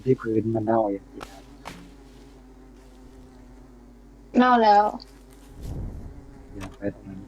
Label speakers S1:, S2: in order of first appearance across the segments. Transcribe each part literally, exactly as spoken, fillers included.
S1: ที่พื้นมันเน่าอย่างนี้
S2: เน่าแล้ว
S1: อยากไปตรงนั้น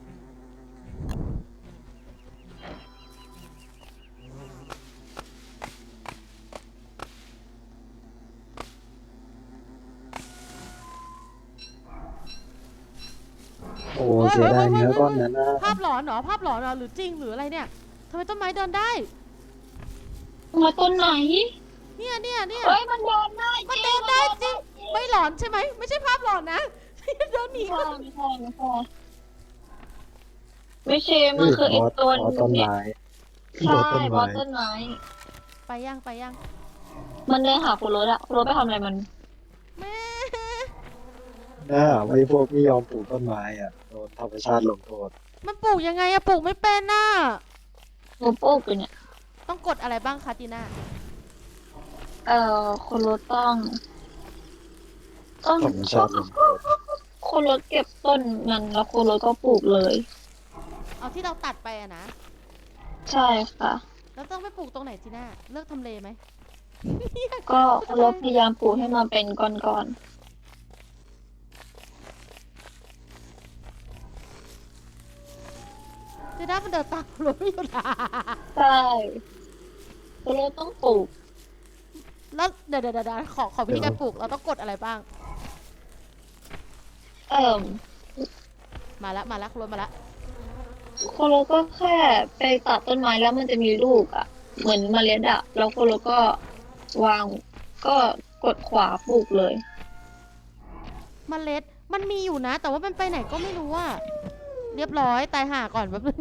S1: โอ้
S3: เฮ้ย
S1: เสีย
S3: เฮ้ยเฮ้ยเฮ้
S1: ดายเนื้อก้อน
S3: ยเฮ้ย
S1: นั้นนะ
S3: ภาพหลอนเหรอภาพหลอนเหรอหรือจริงหรืออะไรเนี่ยทำไมต้นไม้เดินได้
S2: มาต้นไหน
S3: เนี่ยเนี่ยเนี่ย
S2: เฮ้ยมันเดินได้
S3: มัน
S2: จริง
S3: เดินได้จริงไม่หลอนใช่ไหมไม่ใช่ภาพหลอนนะเดินหนี
S2: ไม่ใช่ไม่ใช่ไม่ใช่ไม่ใช่
S1: เฮ้ย
S2: มันคือไอ้
S1: บอส
S2: ตัว
S1: บอสต้น
S2: เนี่ย
S1: ไม้บ
S2: ใช่
S1: อสต้นไม้
S2: บอสต้นไม้
S3: ไปยังไปยัง
S2: มันเดินหาคุณรถอะคุณรถไปทำอะไรมัน
S3: แม่
S1: น่าไม่พวกไม่ยอมปลูกต้นไม้อ่ะโดนธรรมชาติลงโทษ
S3: มันปลูกยังไงอะปลูกไม่เป็นน่ะ
S2: หนูปลูกอยู่เนี่ย
S3: ต้องกดอะไรบ้างคะตีน่า
S2: เอ่อคุณรถต้องต้อง
S1: ธรรมชาติลงโทษ
S2: คุณรถเก็บต้นมันแล้วคุณรถก็ปลูกเลย
S3: เอาที่เราตัดไปอะนะ
S2: ใช่ค่ะ
S3: แล้วต้องไปปลูกตรงไหนตีน่าเลือกทำเลไหม
S2: ก็คุณรถพยายามปลูกให้มันเป็นก้อน
S3: ตีน่ามันเดินตามรถไม่หยุดอะ
S2: ๆใช่คุณรถต้องปลูก
S3: แล้วเดี๋ยวเดี๋ยวเดี๋ยวขอขอวิธีการปลูกเราต้องกดอะไรบ้าง
S2: เอ่อ
S3: มาแล้วมาแล้วคุณรถมาแล้ว
S2: คุณรถก็แค่ไปตัดต้นไม้แล้วมันจะมีลูกอ่ะเหมือนเมล็ดอ่ะแล้วคุณรถก็วางก็กดขวาปลูกเลย
S3: เมล็ดมันมีอยู่นะ แต่ว่ามันไปไหนก็ไม่รู้อะเรียบร้อยตายห่าก่อนแป๊บนึง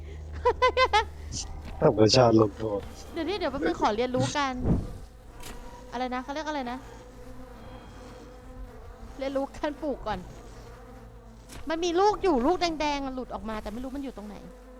S1: ธรรมชาติลงโทษ
S3: เดี๋ยวนี้เดี๋ยวแป๊บนึงขอเรียนรู้กัน อะไรนะเขาเรียกอะไรนะ เรียนรู้การปลูกก่อน มันมีลูกอยู่ลูกแดงๆอะหลุดออกมาแต่ไม่รู้มันอยู่ตรงไหน